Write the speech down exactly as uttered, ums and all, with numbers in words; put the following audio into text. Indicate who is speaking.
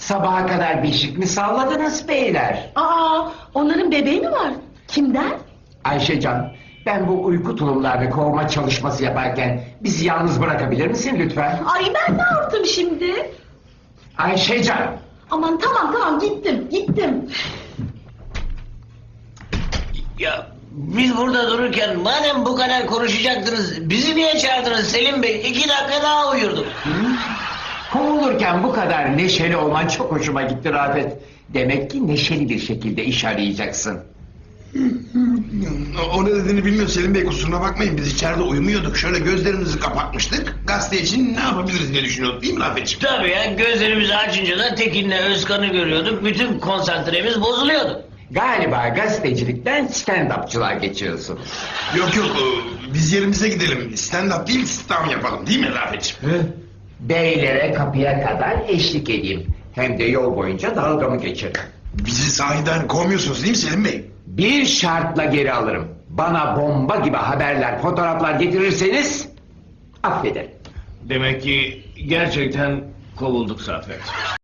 Speaker 1: Sabaha kadar beşik mi salladınız beyler?
Speaker 2: Aa, onların bebeği mi var? Kimden?
Speaker 1: Ayşecan, ben bu uyku tulumlarını kovma çalışması yaparken bizi yalnız bırakabilir misin lütfen?
Speaker 2: Ay ben ne yaptım şimdi?
Speaker 1: Ayşecan!
Speaker 2: Aman tamam tamam gittim gittim.
Speaker 3: Ya biz burada dururken madem bu kadar konuşacaktınız bizi niye çağırdınız Selim Bey? İki dakika daha uyurduk.
Speaker 1: Kovulurken bu kadar neşeli olman çok hoşuma gitti Rafet. Demek ki neşeli bir şekilde iş arayacaksın.
Speaker 4: O ne dediğini bilmiyor Selim Bey, kusuruna bakmayın. Biz içeride uyumuyorduk. Şöyle gözlerimizi kapatmıştık. Gazete için ne yapabiliriz diye düşünüyorduk, değil mi Rafetciğim?
Speaker 3: Tabii ya, gözlerimizi açınca da Tekin'le Özkan'ı görüyorduk. Bütün konsantremiz bozuluyordu.
Speaker 1: Galiba gazetecilikten stand-upçılığa geçiyorsun.
Speaker 4: Yok yok, e, biz yerimize gidelim. Stand-up değil, sit-down yapalım, değil mi Rafetciğim?
Speaker 1: Beylere kapıya kadar eşlik edeyim. Hem de yol boyunca dalgamı geçiririm.
Speaker 4: Bizi sahiden kovmuyorsunuz değil mi Selim Bey?
Speaker 1: Bir şartla geri alırım. Bana bomba gibi haberler, fotoğraflar getirirseniz affederim.
Speaker 3: Demek ki gerçekten kovulduk Zafer.